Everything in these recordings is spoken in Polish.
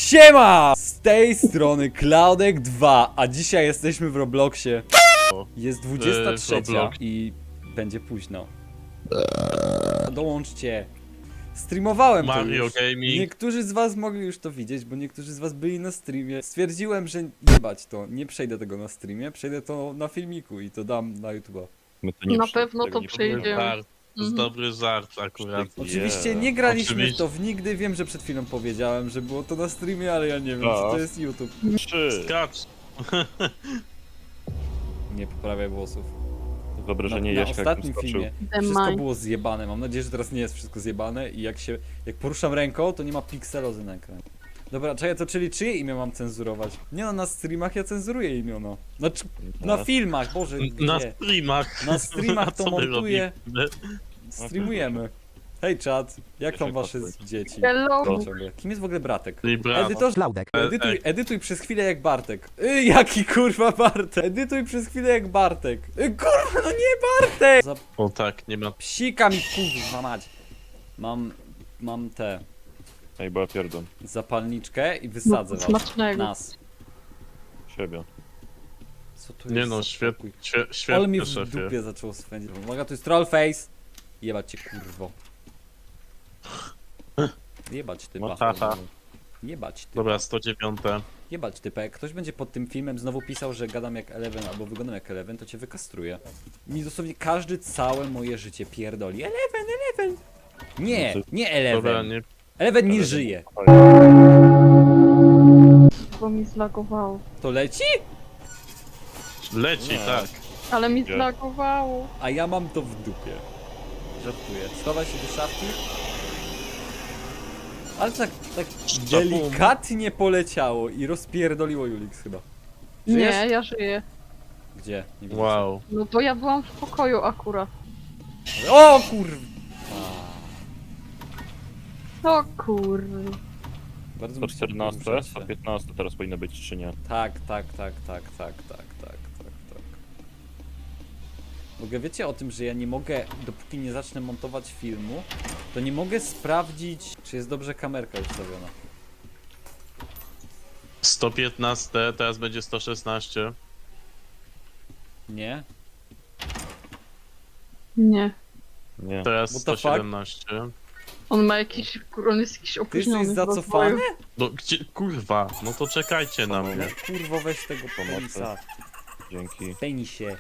Siema! Z tej strony Cloudek 2, a dzisiaj jesteśmy w Robloxie. Jest 23 i będzie późno. Dołączcie. Streamowałem to Mario już. Gaming. Niektórzy z was mogli już to widzieć, bo niektórzy z was byli na streamie. Stwierdziłem, że jebać to, nie przejdę tego na streamie, przejdę to na filmiku i to dam na YouTube'a. Na pewno to przejdziemy. Żart. To jest dobry żart akurat. Oczywiście nie graliśmy w Oczywiście. to w nigdy, wiem, że przed chwilą powiedziałem, że było to na streamie, ale ja nie wiem, czy to jest YouTube. 3. Skacz. Nie poprawiaj włosów. Wyobrażenie Na Jaśka, jak ostatnim skoczył. filmie wszystko było zjebane. Mam nadzieję, że teraz nie jest wszystko zjebane i jak poruszam ręką, to nie ma pikselozy na ekranie. Dobra, czekaj, to czyli czyje imię mam cenzurować? Nie no, na streamach ja cenzuruję imiona. Znaczy, na filmach, Boże, Na gdzie? streamach. Na streamach to Co my montuję. robimy? Streamujemy. Hej czat, jak tam wasze dzieci? Hello. Ciągle. Kim jest w ogóle Bratek? Libra. Edytor, Cloudek. edytuj przez chwilę jak Bartek. Jaki kurwa Bartek? Edytuj przez chwilę jak Bartek. Kurwa, no nie Bartek! O tak, nie ma. Psika mi kurwa mać. Mam tę Ej, bo ja pierdolę zapalniczkę i wysadzę was. Smacznego. Nas. siebie. Co tu Nie jest no, za świetnie, spokój? Ale mi świetnie, w szefie. dupie zaczęło swędzić. Uwaga, to jest trollface. Jebać cię kurwo. Jebać ty No pacho. haha. Jebać ty. Dobra, 109. Jebać typę, jak ktoś będzie pod tym filmem znowu pisał, że gadam jak Eleven albo wyglądam jak Eleven, to cię wykastruję. Mi dosłownie każdy całe moje życie pierdoli. Eleven! Nie, nie Dobra, Eleven. nie. Eleven nie żyje. Bo mi zlagowało. To leci? Leci, Nie. tak. Ale mi Gdzie? zlagowało. A ja mam to w dupie. Żartuję. Schowaj się do szafki. Ale tak delikatnie poleciało i rozpierdoliło Julix chyba. Żyjesz? Nie, ja żyję. Gdzie? Nie widzę Wow. No bo ja byłam w pokoju akurat. cię. O kurwa! O kurde. Bardzo 114, musiałem poruszać się. 115 teraz powinno być, czy nie? Tak. W ogóle wiecie o tym, że ja nie mogę, dopóki nie zacznę montować filmu, to nie mogę sprawdzić, czy jest dobrze kamerka ustawiona. 115, teraz będzie 116. Nie? Nie. Nie. Teraz What the fuck? 117. On ma jakiś, on jest jakiś Ty opóźniony. jesteś w zacofany? rozwoju. No gdzie, kurwa, no to czekajcie na mnie. Kurwo, weź tego Pomocy. penisa. Dzięki. Penisie.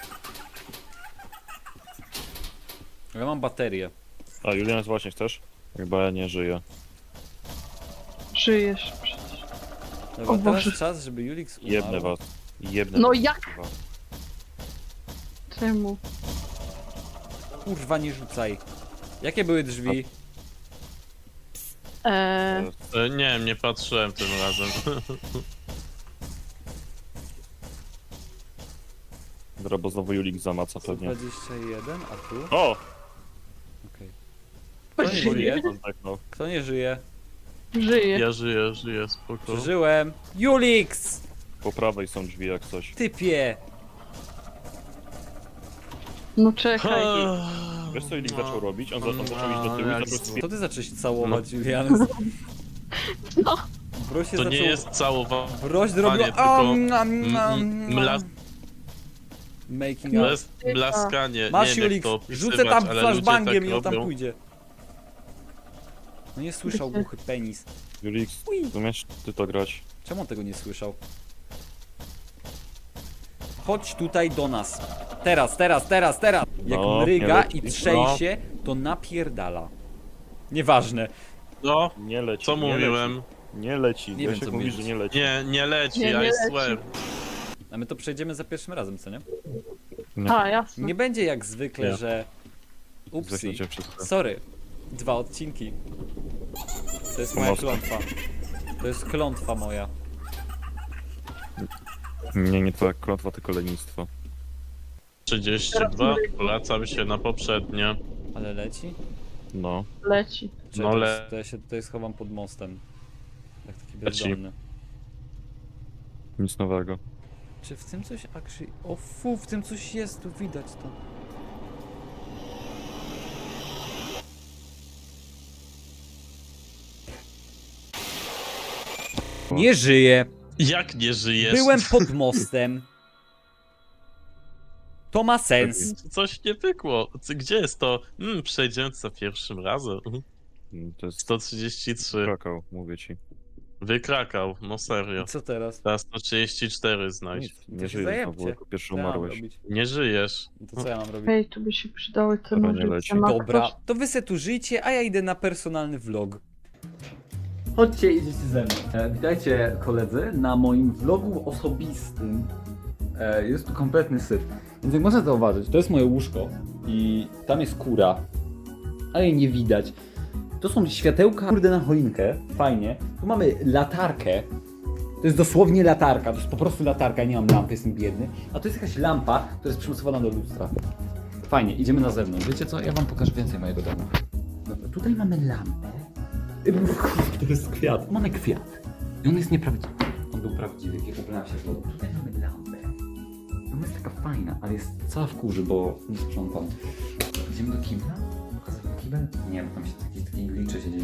Ja mam baterię. A Julian, właśnie chcesz? Chyba ja nie żyję. Żyjesz przecież. Dobra, O teraz Boże. czas, żeby Julix umarł. Jebnę was. Jebnę No was, jak? kurwa. Czemu? Kurwa, nie rzucaj. Jakie były drzwi? Nie wiem, nie patrzyłem tym razem. Dobra, bo znowu Julik zamaca pewnie. 121, a tu? O! Okej. Kto nie żyje? Zdechnął. Kto nie żyje? Żyję. Ja żyję, spoko. Przeżyłem. Julix! Po prawej są drzwi jak coś. Typie! No czekaj. Wiesz co Julik zaczął robić? On zaczął iść do tyłu i jak zaczął To ty zacząłeś całować, Julian. No. Broś się To zaczął... nie jest całowanie, Broś zrobiła... tylko Making up. blaskanie. Masz nie wiem, Julix, jak to opisywać, rzucę tam ale ludzie flashbangiem tak i on tam robią. pójdzie. No nie słyszał głuchy penis. Julik, umiesz ty to grać? Czemu on tego nie słyszał? Chodź tutaj do nas. Teraz. Jak No, mryga nie i leci. trzęsie, to napierdala. Nieważne. No, Nie leci. co nie mówiłem? Leci. Nie leci. Nie wiem, Jasiek co mówi, mówisz. że nie leci. Nie leci, No, Nie, I nie swear. leci. A my to przejdziemy za pierwszym razem, co nie? Nie. Nie Jasne. będzie jak zwykle, Nie. że... Upsi. Zdechnijcie wszystko. Sorry. 2 odcinki. To jest moja Mocno. klątwa. To jest klątwa moja. Nie twoja klątwa, tylko lenistwo. 32, wracam się na poprzednie. Ale leci? No. Leci. Czekaj, No to ja się tutaj schowam pod mostem. Jak taki Leci. bezdomny. Nic nowego. Czy w tym coś actually... O fu, w tym coś jest, tu widać to. Nie żyję. Jak nie żyjesz? Byłem pod mostem. To ma sens. Coś nie pykło. Gdzie jest to? Przejdziemy za pierwszym razem. To jest 133. Krakał, mówię ci. Wykrakał, no serio. I co teraz? Teraz 134 znajdź. Nic, To nie się żyjesz zajebcie. znowu, jako pierwszy Co ja mam umarłeś. robić? Nie żyjesz. To co ja mam robić? Ej, tu by się przydały te Dobra, nie nożyce. leci. Ma Dobra, ktoś? to wy se tu żyjcie, a ja idę na personalny vlog. Chodźcie, idziecie ze mną. Witajcie koledzy na moim vlogu osobistym. Jest tu kompletny syf. Więc jak można zauważyć, to jest moje łóżko i tam jest kura, ale jej nie widać. To są światełka, kurde, na choinkę, fajnie. Tu mamy latarkę. To jest dosłownie latarka, to jest po prostu latarka, ja nie mam lampy, jestem biedny. A to jest jakaś lampa, która jest przymocowana do lustra. Fajnie, idziemy na zewnątrz. Wiecie co? Ja wam pokażę więcej mojego domu. Dobra, tutaj mamy lampę. To jest kwiat. Mamy kwiat. I on jest nieprawdziwy. On był prawdziwy, jak ubrałem się w wodę. Tutaj mamy lampę. Ona jest taka fajna, ale jest cała w kurzy, bo nie sprzątam. Idziemy do kibla? Pokazać wam kibel? Nie, bo tam się takie glicze się dzieją.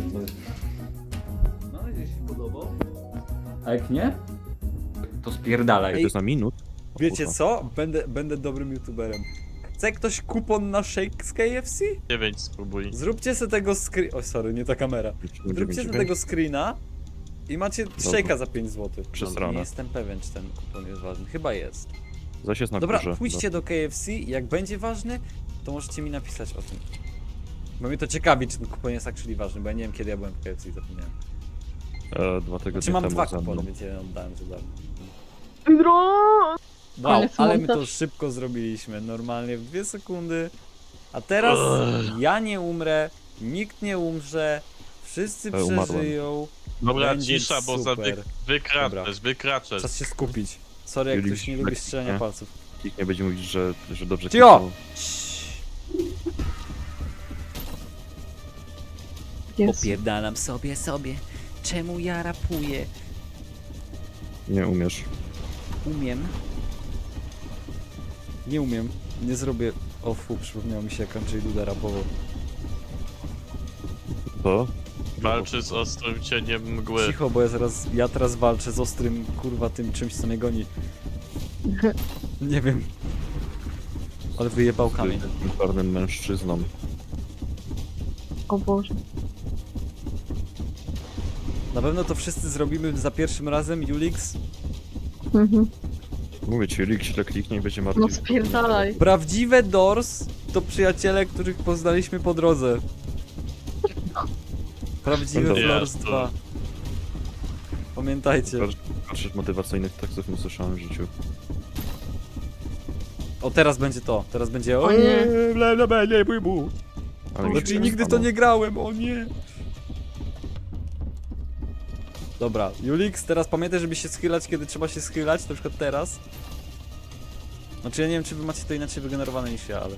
No, jeśli się podobał. A jak nie? To spierdalaj. To jest na minut. O Wiecie kurwa. co? Będę dobrym youtuberem. Chce ktoś kupon na shake z KFC? 9 spróbuj. Zróbcie sobie tego screen... O, sorry, nie ta kamera. Zróbcie sobie tego screena i macie shake'a za 5 zł. Przesrane. Nie jestem pewien, czy ten kupon jest ważny. Chyba jest. Zaś jest na Dobra, górze. pójdźcie do KFC i jak będzie ważny, to możecie mi napisać o tym. Bo mnie to ciekawi, czy ten kupon jest actually ważny, bo ja nie wiem, kiedy ja byłem w KFC i zapomniałem. 2 tygodnie Znaczy mam temu 2 ze mną. kupony, więc jeden oddałem za darmo. Dro! Wow, Koniec ale my to montaż. szybko zrobiliśmy, normalnie w 2 sekundy. A teraz ja nie umrę, nikt nie umrze, wszyscy Umarłem. przeżyją. Dobra, Będzie cisza, bo za super. wykraczasz. Czas się skupić. Sorry, jak Juliusz, ktoś nie lubi lekki, strzelania nie? palców. Nikt nie będzie mówić, że dobrze Cio! kliknął. Jest. Opierdalam sobie. Czemu ja rapuję? Nie umiesz. Umiem. Nie umiem. Nie zrobię... O fu, przypomniało mi się jak Andrzej Duda rapował. To? Walczy z ostrym cieniem mgły. Cicho, bo ja teraz walczę z ostrym, kurwa, tym czymś, co mnie goni. Nie wiem. Ale wyjebał kamień. Z czarnym mężczyzną. O Boże. Na pewno to wszyscy zrobimy za pierwszym razem, Julix. Mhm. Mówię ci, Rick źle kliknie i będzie martwy. No spierdalaj. Prawdziwe Doors to przyjaciele, których poznaliśmy po drodze. Prawdziwe Dobra. Doors 2. Pamiętajcie. Patrzeć motywacyjnych tekstów nie słyszałem w życiu. O, teraz będzie to. Teraz będzie... O nie. nie, bój mu. Ale mi się Znaczy nigdy to stanął. nie grałem, o nie. Dobra, Julix, teraz pamiętaj, żeby się schylać, kiedy trzeba się schylać, na przykład teraz. Znaczy ja nie wiem, czy wy macie to inaczej wygenerowane niż ja, ale...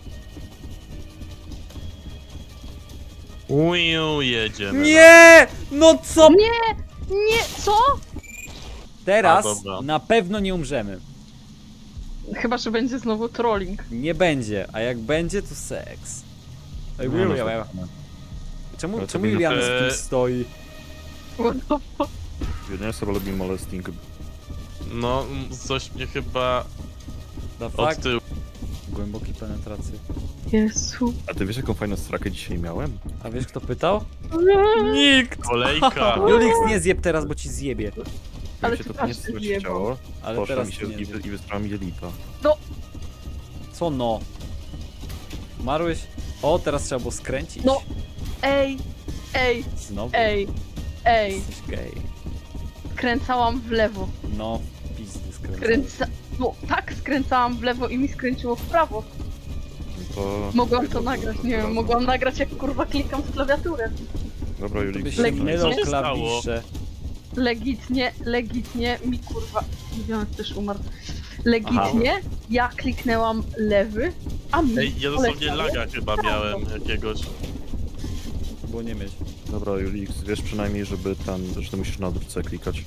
Uju, jedziemy. Nie! No co? Nie, co? Teraz A, dobra. na pewno nie umrzemy. Chyba, że będzie znowu trolling. Nie będzie, a jak będzie, to seks. Ej, No, Julia, no, czemu Ale to czemu minut- Juliana z tym stoi? What the fuck? Jedynie sobie lubi molesting. No, coś mnie chyba The od fuck? tyłu. Głębokiej penetracji. Jezu. A ty wiesz jaką fajną strakę dzisiaj miałem? A wiesz kto pytał? Nikt! Kolejka. Julix, nie zjeb teraz, bo ci zjebie. Ale Ale się ty to nie też słyszeć zjebał. chciało. Ale Poszła teraz mi się ty nie zjeb. i wystrała mi lipa. Co no? Umarłeś? O, teraz trzeba było skręcić. No. Ej, Znowu? ej. Jesteś gej. Skręcałam w lewo. No, pizdy skręcałeś. No tak, skręcałam w lewo i mi skręciło w prawo. No to... Mogłam to nagrać, nie wiem, razem. mogłam nagrać jak kurwa klikam w klawiaturę. Dobra, To Julik. by się Legitnie. mylą Co się stało? klawisze. Legitnie mi kurwa... Widziałem, też umarł. Legitnie ja kliknęłam lewy, a mi Ej, ja dosłownie poleciało laga chyba w prawo. miałem jakiegoś. Było nie mieć. Dobra, Julik, wiesz przynajmniej, że ty musisz na odwrócę klikać.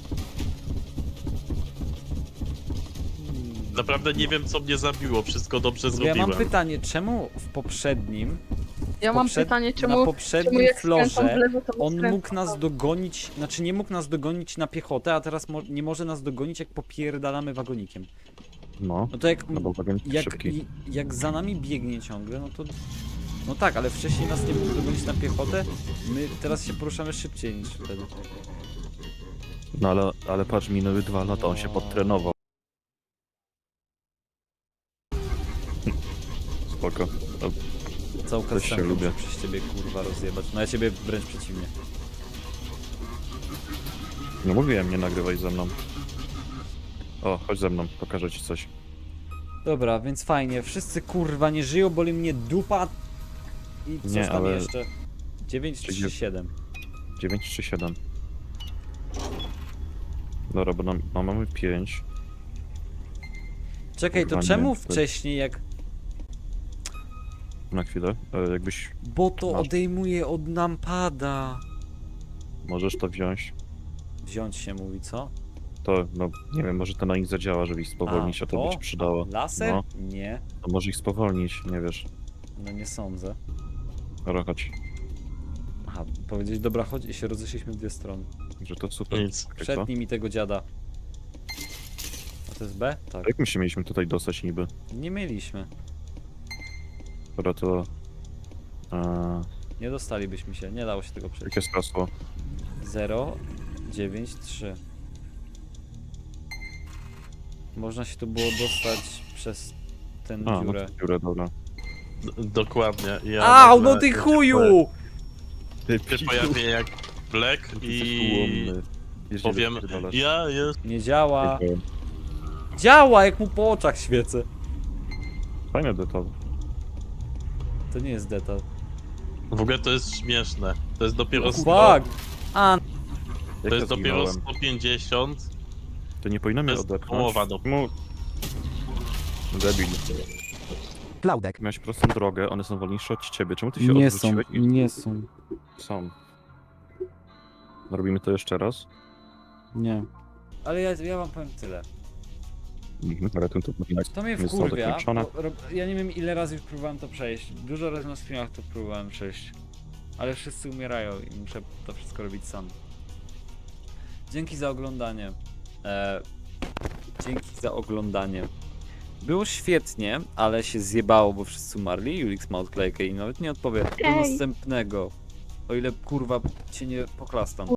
Naprawdę nie wiem co mnie zabiło, wszystko dobrze Ja zrobiłem. mam pytanie, czemu w poprzednim Ja mam pytanie, na czemu poprzednim jak skręcam w florze lewo, to on skręcam mógł w nas prawo? dogonić, znaczy nie mógł nas dogonić na piechotę, a teraz nie może nas dogonić, jak popierdalamy wagonikiem. No, No to jak, no bo wagon jest szybki. jak za nami biegnie ciągle, no to... No tak, ale wcześniej nas nie mógł dogonić na piechotę, my teraz się poruszamy szybciej niż wtedy. No ale patrz, minęły 2 lata, on się podtrenował. Spoko. No, Całą Też się kastenkę lubię. muszę przez ciebie kurwa rozjebać. No ja ciebie wręcz przeciwnie. no mówiłem, nie nagrywaj ze mną. O, chodź ze mną, pokażę ci coś. Dobra, więc fajnie. Wszyscy kurwa nie żyją, boli mnie dupa. I co Nie, tam ale- jeszcze? 9 Czyli- 3 7. 9 czy 7? Dobra, bo mamy 5. Czekaj, to Kurwa, nie, czemu to- wcześniej jak... Na chwilę. Jakbyś Bo to Masz. odejmuje od nampada. możesz to wziąć, Wziąć się mówi, co? to no nie wiem, może to na nich zadziała, żeby ich spowolnić, a to by ci przydało. Laser? No. Nie. To może ich spowolnić, nie wiesz. No nie sądzę. Dobra, chodź. Aha, powiedzieć dobra chodź i się rozeszliśmy w dwie strony. Że to super. Nic. Okej, co? Przednij mi tego dziada. A to jest B? Tak. Jak my się mieliśmy tutaj dostać niby? Nie mieliśmy. Dobra, to... Nie dostalibyśmy się, nie dało się tego przejść. jakie jest hasło? 0, 9, 3. Można się tu było dostać przez tę A, no dziurę. to dziurę, dobra. Dokładnie. Ja Au, nagle no ty się chuju! Się pojawię jak Black i powiem, ja jest... Nie działa. Działa, jak mu po oczach świecę. Fajny detal. To nie jest detal. W ogóle to jest śmieszne. To jest dopiero Fuck! A, Jak To jest ja dopiero zginąłem? 150. To nie powinno mnie To jest odepchnąć. połowa do... Debil. Klaudek. Miałeś prostą drogę, one są wolniejsze od ciebie. Czemu ty się nie są, odwróciłeś? nie są. Są. Robimy to jeszcze raz. Nie. Ale ja wam powiem tyle. Ale to powinno To mnie zostało wkurwia, zakończone. bo ja nie wiem ile razy już próbowałem to przejść. Dużo razy na streamach to próbowałem przejść. Ale wszyscy umierają i muszę to wszystko robić sam. Dzięki za oglądanie. Dzięki za oglądanie. Było świetnie, ale się zjebało, bo wszyscy umarli. Julix ma odklejkę i nawet nie odpowie. Do Ej. następnego. O ile kurwa cię nie poklastam.